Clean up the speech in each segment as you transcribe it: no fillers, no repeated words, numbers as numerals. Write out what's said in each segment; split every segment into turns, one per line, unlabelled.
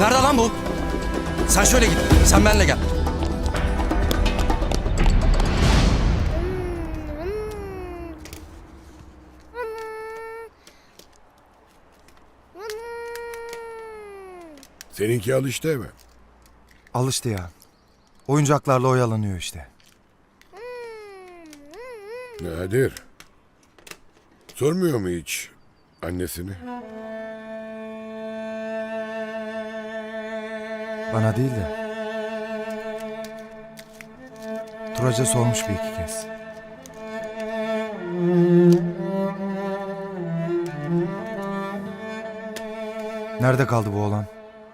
Nerede lan bu? Sen şöyle git. Sen benimle gel.
Seninki alıştı eve.
Alıştı ya. Oyuncaklarla oyalanıyor işte.
Nadir. Sormuyor mu hiç annesini?
Bana değil de. Turaç'a sormuş bir iki kez. Nerede kaldı bu oğlan?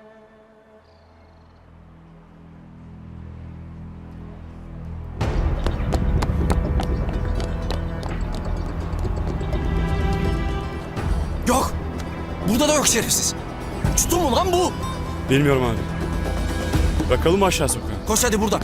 Yok. Burada da yok şerefsiz. Uçtu mu lan bu?
Bilmiyorum abi. Bakalım aşağı sokağa.
Koş hadi buradan.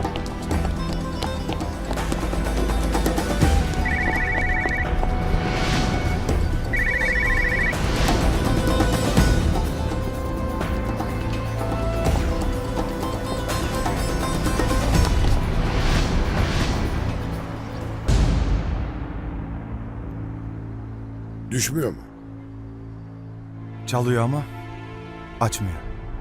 Düşmüyor mu?
Çalıyor ama açmıyor.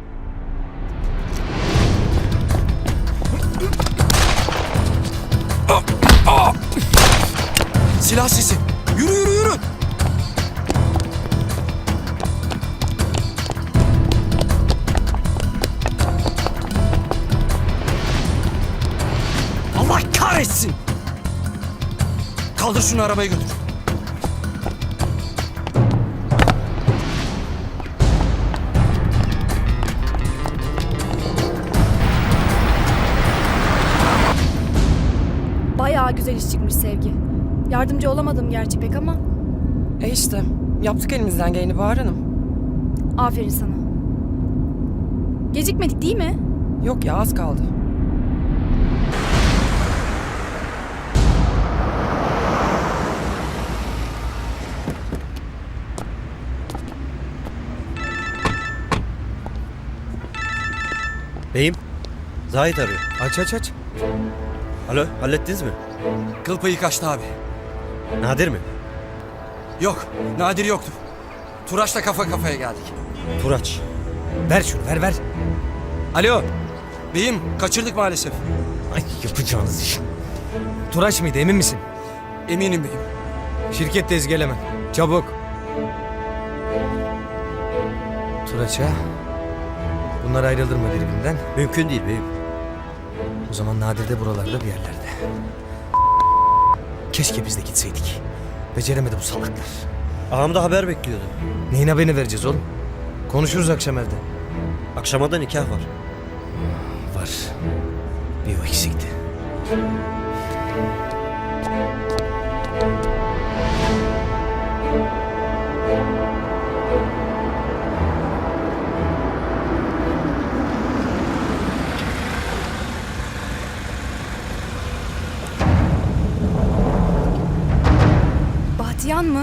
Silah sesi. Yürü yürü yürü. Allah kahretsin. Kaldır şunu, arabaya götür.
Bayağı güzel iş çıkmış Sevgi. Yardımcı olamadım gerçi pek ama
İşte yaptık elimizden geleni Bahar Hanım.
aferin sana. Gecikmedik değil mi?
Yok ya, az kaldı.
Beyim, Zahit arıyor.
Aç aç aç.
Alo, hallettiniz mi?
Kıl payı kaçtı abi.
Nadir mi?
Yok, Nadir yoktu. Turaç'la kafa kafaya geldik.
Turaç. Ver şunu, ver.
Alo. Beyim, kaçırdık maalesef.
Ay yapacağınız iş.
Turaç mıydı, emin misin?
Eminim beyim.
Şirkette ezgeleme. Çabuk. Turaç ha? Bunlar ayrıldırma birbirinden.
Mümkün değil beyim.
O zaman Nadir de buralarda bir yerlerde. Keşke biz de gitseydik. Beceremedi bu salaklar.
Ağam da haber bekliyordu.
Neyin haberini vereceğiz oğlum? Konuşuruz akşam evde.
Akşama da nikah var.
Var. Bir o eksikti.
Bahtiyar mı?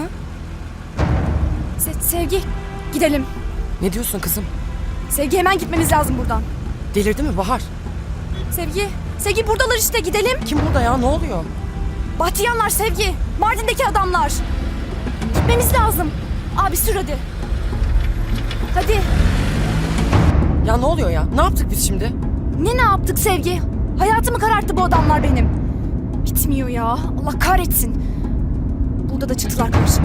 Sevgi gidelim.
Ne diyorsun kızım?
Sevgi hemen gitmemiz lazım buradan.
Delirdi mi Bahar?
Sevgi buradalar işte, gidelim.
Kim burada ya, ne oluyor?
Bahtiyanlar Sevgi. Mardin'deki adamlar. Gitmemiz lazım. Abi sür hadi. Hadi.
Ya ne oluyor ya? Ne yaptık biz şimdi?
Ne yaptık Sevgi? Hayatımı kararttı bu adamlar benim. Bitmiyor ya. Allah kahretsin. Burada da çıktılar karşıma.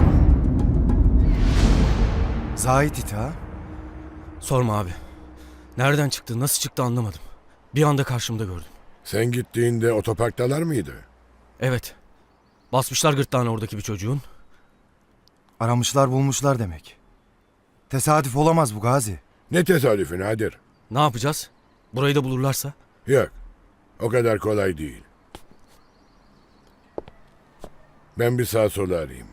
Zahit it ha?
Sorma abi. Nereden çıktı, nasıl çıktı anlamadım. Bir anda karşımda gördüm.
Sen gittiğinde otoparktalar mıydı?
Evet. Basmışlar gırtlağına oradaki bir çocuğun.
Aramışlar bulmuşlar demek. Tesadüf olamaz bu Gazi.
Ne tesadüfü Nadir?
Ne yapacağız? Burayı da bulurlarsa?
Yok. O kadar kolay değil. Ben bir sağ sola arayayım.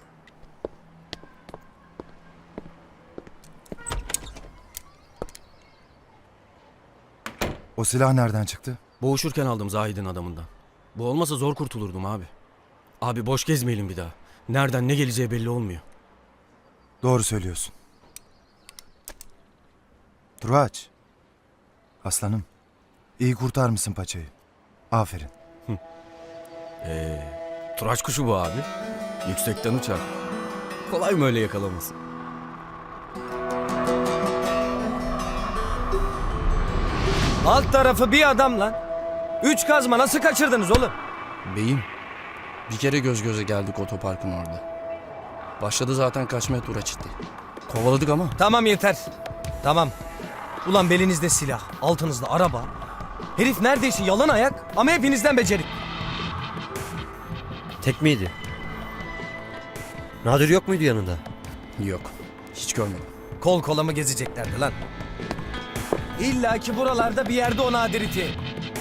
O silah nereden çıktı?
Boğuşurken aldım Zahid'in adamından. Bu olmasa zor kurtulurdum abi. Abi boş gezmeyelim bir daha. Nereden ne geleceği belli olmuyor.
Doğru söylüyorsun. Turaç, Aslanım, iyi kurtarmışsın paçayı. Aferin.
Turaç kuşu bu abi. Yüksekten uçar. Kolay mı öyle yakalaması?
Alt tarafı bir adam lan. 3 kazma nasıl kaçırdınız oğlum?
Beyim, bir kere göz göze geldik otoparkın orada. Başladı zaten kaçmaya Turaç itti. Kovaladık ama
Tamam yeter. Tamam. Ulan belinizde silah, altınızda araba. Herif neredeyse yalan ayak ama hepinizden becerik.
Tek miydi? Nadir yok muydu yanında?
yok. Hiç görmedim.
Kol kola mı gezeceklerdi lan? İlla ki buralarda bir yerde o Nadir iti.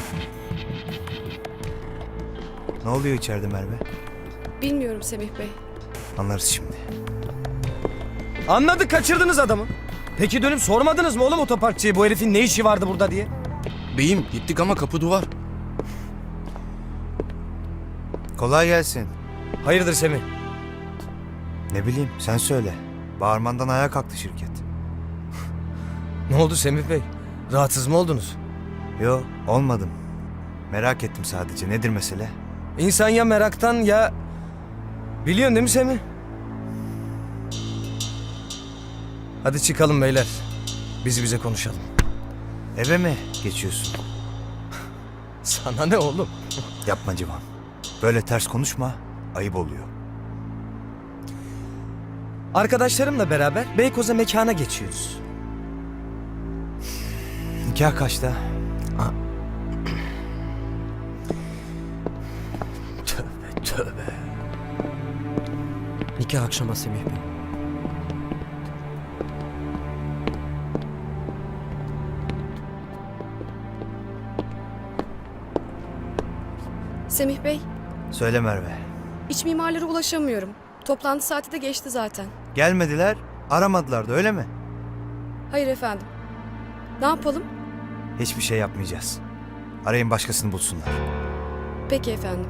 Ne oluyor içeride Merve?
Bilmiyorum Semih Bey.
Anlarız şimdi.
Anladık, kaçırdınız adamı. Peki dönüp sormadınız mı oğlum otoparkçıya bu herifin ne işi vardı burada diye?
Beyim, gittik ama kapı duvar.
Kolay gelsin.
Hayırdır Semih?
Ne bileyim, sen söyle. Bağırmandan ayağa kalktı şirket.
Ne oldu Semih Bey? Rahatsız mı oldunuz?
Yo, olmadım. Merak ettim sadece. Nedir mesele?
İnsan ya meraktan ya... Biliyorsun değil mi Semih? Hadi çıkalım beyler. Bize konuşalım.
Eve mi geçiyorsun?
Sana ne oğlum?
Yapma Civan. Böyle ters konuşma. Ayıp oluyor.
Arkadaşlarımla beraber Beykoz'a mekana geçiyoruz.
Nikah kaçta?
Tövbe.
Nikah akşama Semih Bey.
Semih Bey,
Söyle Merve.
iç mimarlara ulaşamıyorum. Toplantı saati de geçti zaten.
Gelmediler, aramadılar da öyle mi?
Hayır efendim. Ne yapalım?
Hiçbir şey yapmayacağız. Arayın başkasını bulsunlar.
Peki efendim.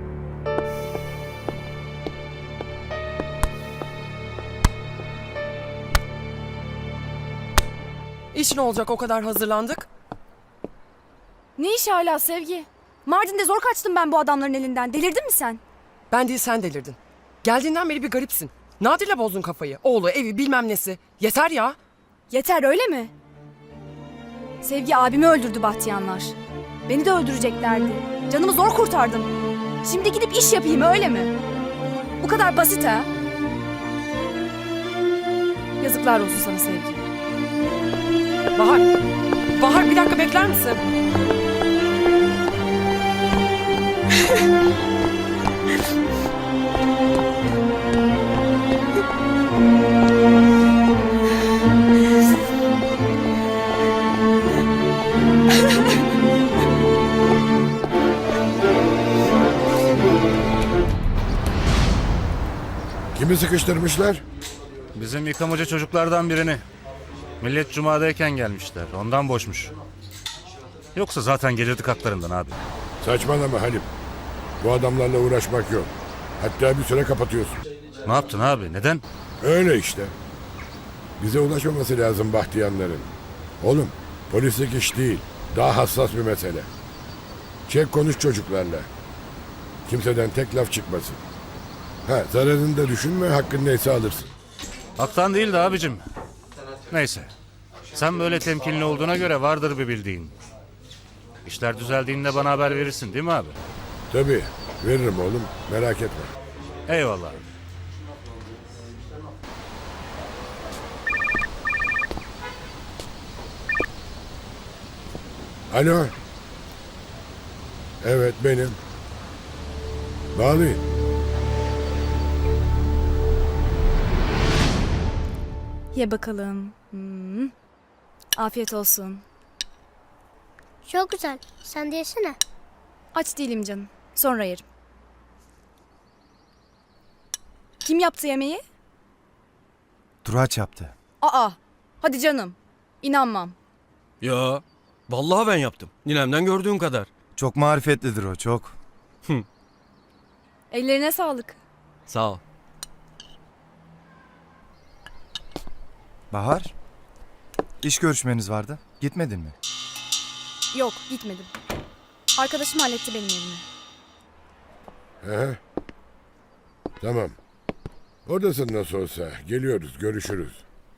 İş ne olacak, o kadar hazırlandık?
Ne iş hala Sevgi? Mardin'de zor kaçtım ben bu adamların elinden. Delirdin mi sen?
Ben değil, sen delirdin. Geldiğinden beri bir garipsin. Nadir'le bozdun kafayı. Oğlu, evi, bilmem nesi. Yeter ya.
Yeter öyle mi? Sevgi abimi öldürdü Bahtiyanlar. Beni de öldüreceklerdi. Canımı zor kurtardım. Şimdi gidip iş yapayım öyle mi? Bu kadar basit ha? Yazıklar olsun sana Sevgi.
Bahar. Bahar, bir dakika bekler misin?
Kimi sıkıştırmışlar?
Bizim yıkamacı çocuklardan birini. Millet cumadayken gelmişler. Ondan boşmuş. Yoksa zaten gelirdik haklarından abi.
Saçmalama Halim. Bu adamlarla uğraşmak yok. Hatta bir süre kapatıyorsun.
Ne yaptın abi? Neden?
Öyle işte. Bize ulaşmaması lazım Bahtiyanların. Oğlum, polislik iş değil. Daha hassas bir mesele. Çek konuş çocuklarla. Kimseden tek laf çıkmasın. Ha, zararını da düşünme, hakkın neyse alırsın.
Haktan değildi abicim. Neyse. Sen böyle temkinli olduğuna göre vardır bir bildiğin. İşler düzeldiğinde bana haber verirsin değil mi abi?
Tabii, veririm oğlum, merak etme.
Eyvallah.
Alo. Evet, benim. Bağlayın.
Ye bakalım. Afiyet olsun.
Çok güzel. Sen de yesene.
Aç değilim canım. Sonra yerim. Kim yaptı yemeği?
Turaç yaptı.
Aa, hadi canım. İnanmam.
Ya vallahi ben yaptım. Ninemden gördüğün kadar.
Çok marifetlidir o, çok.
Ellerine sağlık.
Sağ ol.
Bahar, iş görüşmeniz vardı. Gitmedin mi?
Yok, gitmedim. Arkadaşım halletti benim evimi.
Aha. Tamam. Oradasın nasıl olsa. Geliyoruz, görüşürüz.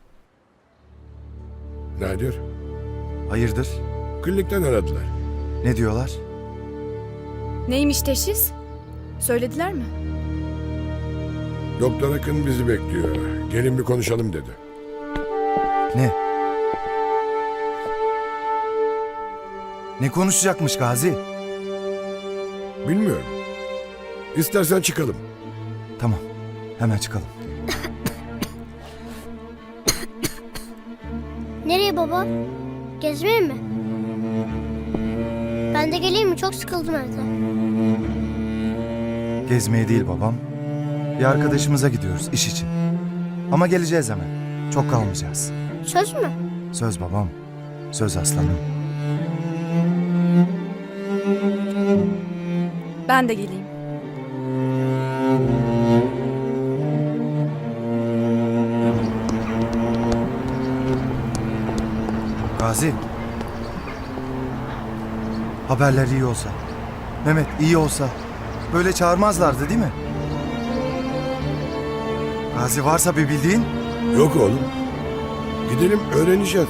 Nadir,
Hayırdır?
klinikten aradılar.
Ne diyorlar?
Neymiş teşhis? Söylediler mi?
Doktor Akın bizi bekliyor. Gelin bir konuşalım dedi.
Ne? Ne konuşacakmış Gazi?
Bilmiyorum. İstersen çıkalım.
Tamam. Hemen çıkalım.
Nereye baba? Gezmeye mi? Ben de geleyim mi? Çok sıkıldım evde.
Gezmeye değil babam. Bir arkadaşımıza gidiyoruz iş için. Ama geleceğiz hemen. Çok kalmayacağız.
Söz mü?
Söz babam. Söz aslanım.
Ben de geleyim.
Gazi. Haberler iyi olsa. Mehmet iyi olsa. Böyle çağırmazlardı değil mi? Gazi varsa bir bildiğin.
Yok oğlum. Gidelim öğreneceğiz.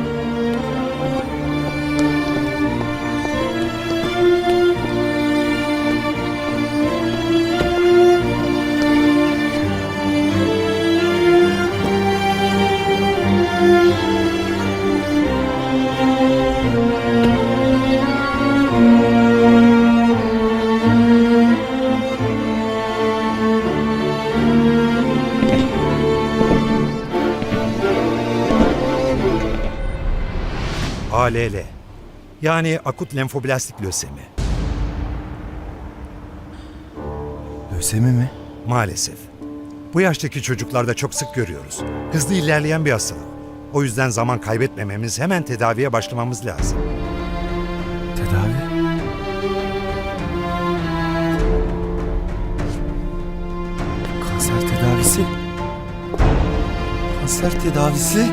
ALL. Yani akut lenfoblastik lösemi.
Lösemi mi?
Maalesef. Bu yaştaki çocuklarda çok sık görüyoruz. Hızlı ilerleyen bir hastalık. O yüzden zaman kaybetmememiz, hemen tedaviye başlamamız lazım.
Tedavi? Kanser tedavisi? Kanser tedavisi?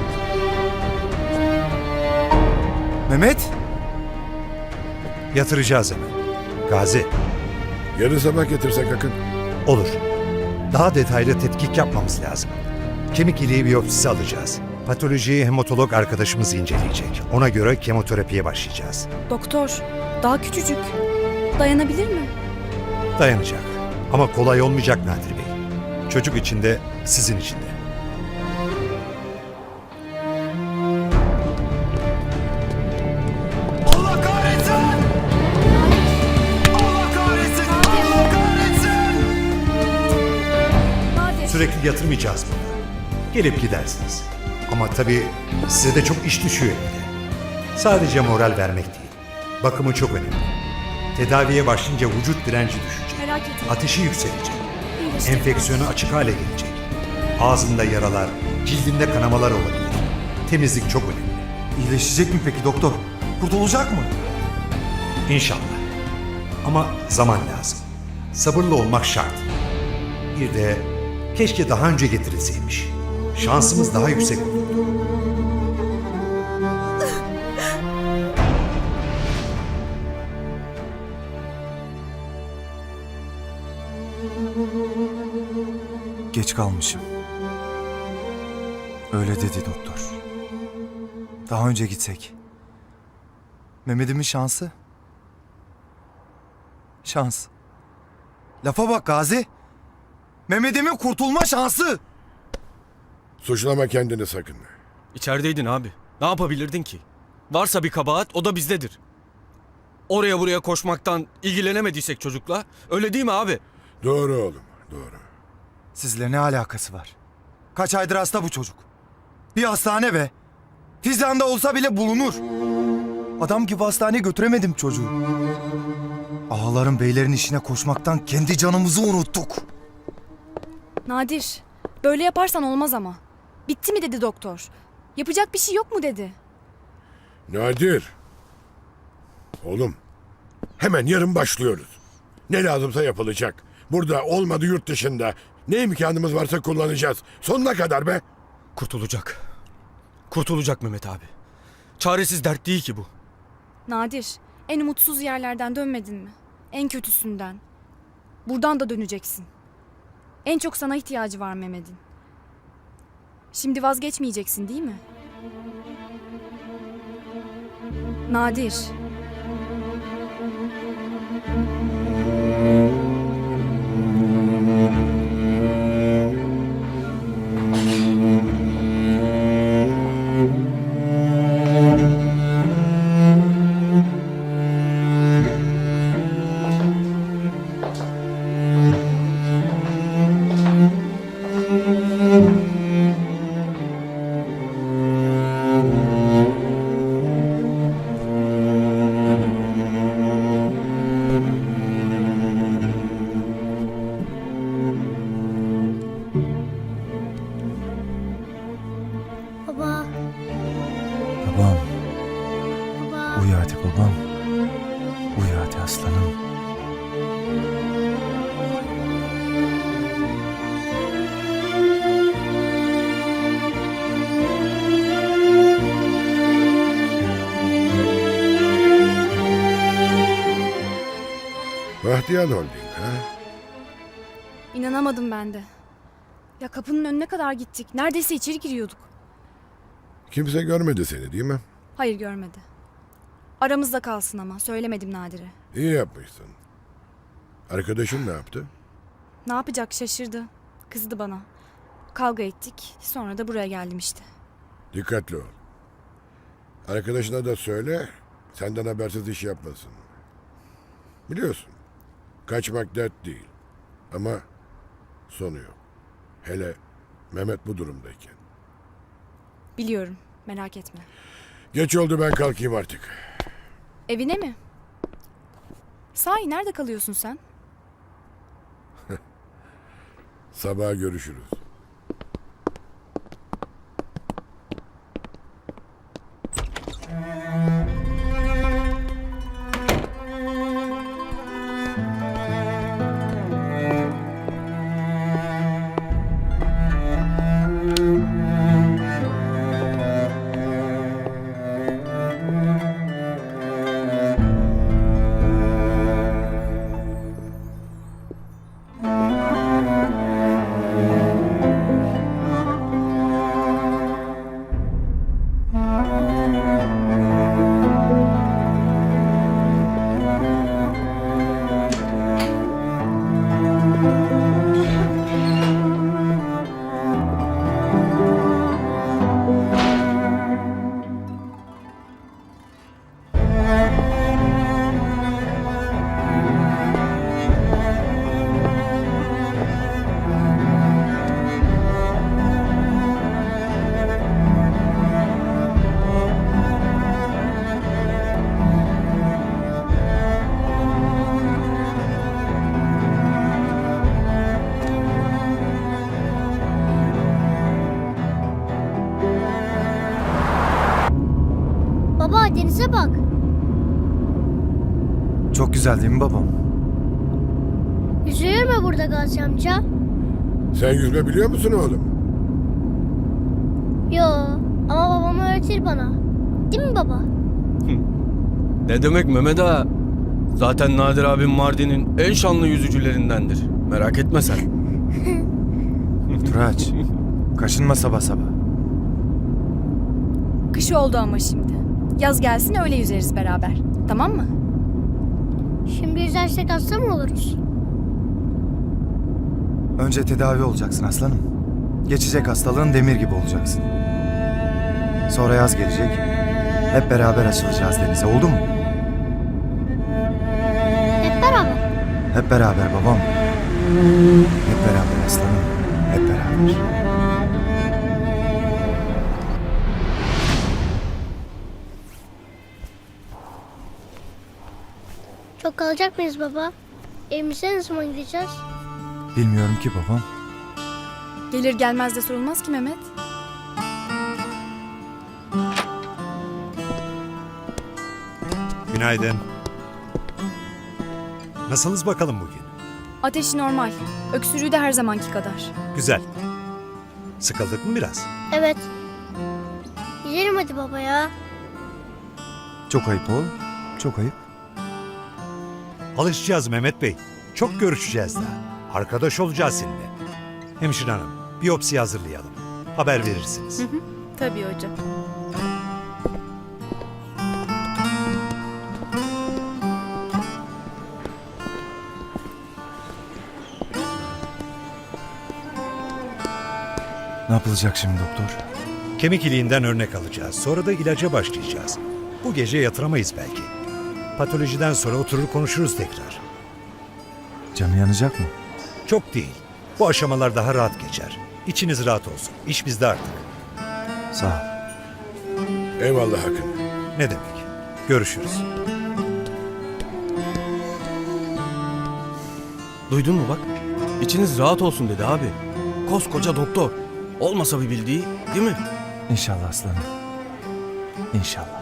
Mehmet?
Yatıracağız hemen. Gazi,
Yarın sabah getirsek Akın.
olur. Daha detaylı tetkik yapmamız lazım. Kemik iliği biyopsisi alacağız. Patolojiyi hematolog arkadaşımız inceleyecek. Ona göre kemoterapiye başlayacağız.
Doktor, daha küçücük. Dayanabilir mi?
Dayanacak. Ama kolay olmayacak Nadir Bey. Çocuk için de, sizin için de.
Allah kahretsin! Allah kahretsin! Allah kahretsin!
Nadir.
Sürekli yatırmayacağız burada. Gelip gidersiniz. Ama tabii size de çok iş düşüyor evde. Sadece moral vermek değil. Bakımı çok önemli. Tedaviye başlayınca vücut direnci düşecek.
Merak etme.
Ateşi yükselecek.
İyileşecek.
Enfeksiyonu açık hale gelecek. Ağzında yaralar, cildinde kanamalar olabilir. Temizlik çok önemli.
İyileşecek mi peki doktor? Kurtulacak mı?
İnşallah. Ama zaman lazım. Sabırlı olmak şart. Bir de keşke daha önce getirilseymiş. Şansımız daha yüksek olurdu.
Geç kalmışım. Öyle dedi doktor. Daha önce gitsek. Mehmet'imin şansı. Şans. Lafa bak Gazi. Mehmet'imin kurtulma şansı.
Suçlama kendini sakın.
İçerideydin abi. Ne yapabilirdin ki? Varsa bir kabahat o da bizdedir. Oraya buraya koşmaktan ilgilenemediysek çocukla. Öyle değil mi abi?
Doğru oğlum, doğru.
Sizle ne alakası var? Kaç aydır hasta bu çocuk. Bir hastane be. Fizan'da olsa bile bulunur. Adam gibi hastaneye götüremedim çocuğu. Ağaların beylerin işine koşmaktan kendi canımızı unuttuk.
Nadir, böyle yaparsan olmaz ama. Bitti mi dedi doktor. Yapacak bir şey yok mu dedi.
Nadir. Oğlum, hemen yarın başlıyoruz. Ne lazımsa yapılacak. Burada olmadı yurt dışında. Ne imkanımız varsa kullanacağız. Sonuna kadar be.
Kurtulacak. Kurtulacak Mehmet abi. Çaresiz dert değil ki bu.
Nadir, en umutsuz yerlerden dönmedin mi? En kötüsünden. Buradan da döneceksin. En çok sana ihtiyacı var Mehmet'in. Şimdi vazgeçmeyeceksin değil mi? Nadir.
Baba,
Babam,
baba.
uyu hadi babam. Uyu hadi aslanım.
Bahtiyar Holding ha?
İnanamadım ben de. Ya kapının önüne kadar gittik. Neredeyse içeri giriyorduk.
Kimse görmedi seni değil mi?
Hayır görmedi. Aramızda kalsın ama. Söylemedim Nadir'e.
İyi yapmışsın. Arkadaşın ne yaptı?
Ne yapacak şaşırdı. Kızdı bana. Kavga ettik. Sonra da buraya geldim işte.
Dikkatli ol. Arkadaşına da söyle, senden habersiz iş yapmasın. Biliyorsun, kaçmak dert değil. Ama sonu yok. Hele Mehmet bu durumdayken.
Biliyorum. Merak etme.
Geç oldu, ben kalkayım artık.
Evine mi? Sahi nerede kalıyorsun sen?
Sabah görüşürüz.
Baba denize bak.
Çok güzel değil mi babam?
Yüzülür mü burada Gazi amca?
Sen yüzme biliyor musun oğlum?
Yo, ama babam öğretir bana. Değil mi baba?
Ne demek Mehmet ağa? Zaten Nadir abim Mardin'in en şanlı yüzücülerindendir. Merak etme sen.
Turaç, kaşınma sabah sabah.
Kış oldu ama şimdi. Yaz gelsin öyle yüzeriz beraber. Tamam mı?
Şimdi yüzersek hasta mı oluruz?
Önce tedavi olacaksın aslanım. Geçecek hastalığın, demir gibi olacaksın. Sonra yaz gelecek. Hep beraber açılacağız denize, oldu mu?
Hep beraber.
Hep beraber babam. Hep beraber aslanım. Hep beraber.
Çok kalacak mıyız baba? Evimize ne zaman gideceğiz?
Bilmiyorum ki babam.
Gelir gelmez de sorulmaz ki Mehmet.
Günaydın. Nasılsınız bakalım bugün?
Ateşi normal. Öksürüğü de her zamanki kadar.
Güzel. Sıkıldık mı biraz?
Evet. Gidelim hadi baba ya.
Çok ayıp oğlum. çok ayıp.
Alışacağız Mehmet Bey. Çok görüşeceğiz daha. Arkadaş olacağız seninle. Hemşire hanım, biyopsi hazırlayalım. Haber verirsiniz.
Tabii hocam.
Ne yapılacak şimdi doktor?
Kemik iliğinden örnek alacağız. Sonra da ilaca başlayacağız. Bu gece yatıramayız belki. Patolojiden sonra oturur konuşuruz tekrar.
Canı yanacak mı?
Çok değil. Bu aşamalar daha rahat geçer. İçiniz rahat olsun. İş bizde artık.
Sağ ol.
Eyvallah Akın.
Ne demek? Görüşürüz.
Duydun mu bak? İçiniz rahat olsun dedi abi. Koskoca doktor. Olmasa bir bildiği değil mi?
İnşallah aslanım. İnşallah.